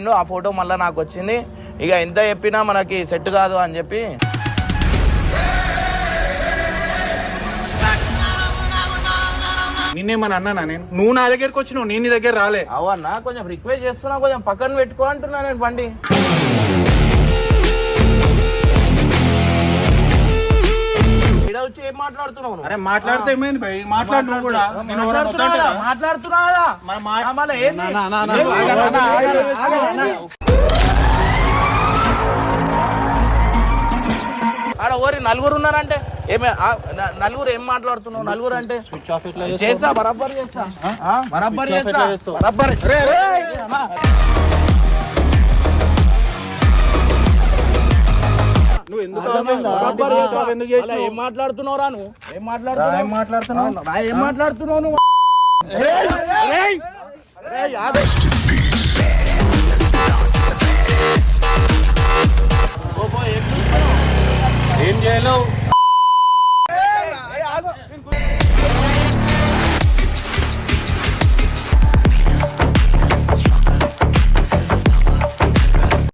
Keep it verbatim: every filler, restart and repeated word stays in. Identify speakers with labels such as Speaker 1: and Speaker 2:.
Speaker 1: ఆ ఫోటో మళ్ళీ నాకు వచ్చింది. ఇక ఎంత చెప్పినా మనకి సెట్ కాదు అని చెప్పి
Speaker 2: నిన్నేమని అన్నానా నేను? నువ్వు నా దగ్గరకు వచ్చినావు, నేను నీ దగ్గర రాలే.
Speaker 1: అవన్నా కొంచెం రిక్వెస్ట్ చేస్తున్నా, కొంచెం పక్కన పెట్టుకో అంటున్నా నేను. బండి ఇక్కడ వచ్చి ఏం మాట్లాడుతున్నావు?
Speaker 2: అరే మాట్లాడితే ఏమైంది భయ్? మాట్లాడు నువ్వు కూడా. నేను
Speaker 1: మాట్లాడుతున్నావా? ఆడ ఓరి నలుగురు ఉన్నారంటే ఏమే నలుగురు ఏం మాట్లాడుతున్నావు? నలుగురు అంటే చేస్తా, బరాబర్ చేస్తా, బరాబర్ చేస్తా, బరాబర్.
Speaker 2: నువ్వు ఎందుకు
Speaker 1: ఏం మాట్లాడుతున్నావురా? నువ్వు ఏం మాట్లాడుతున్నావు? ఏం మాట్లాడుతున్నావు? ఏం మాట్లాడుతున్నావు నువ్వు?
Speaker 2: ఏం చేయలేవు.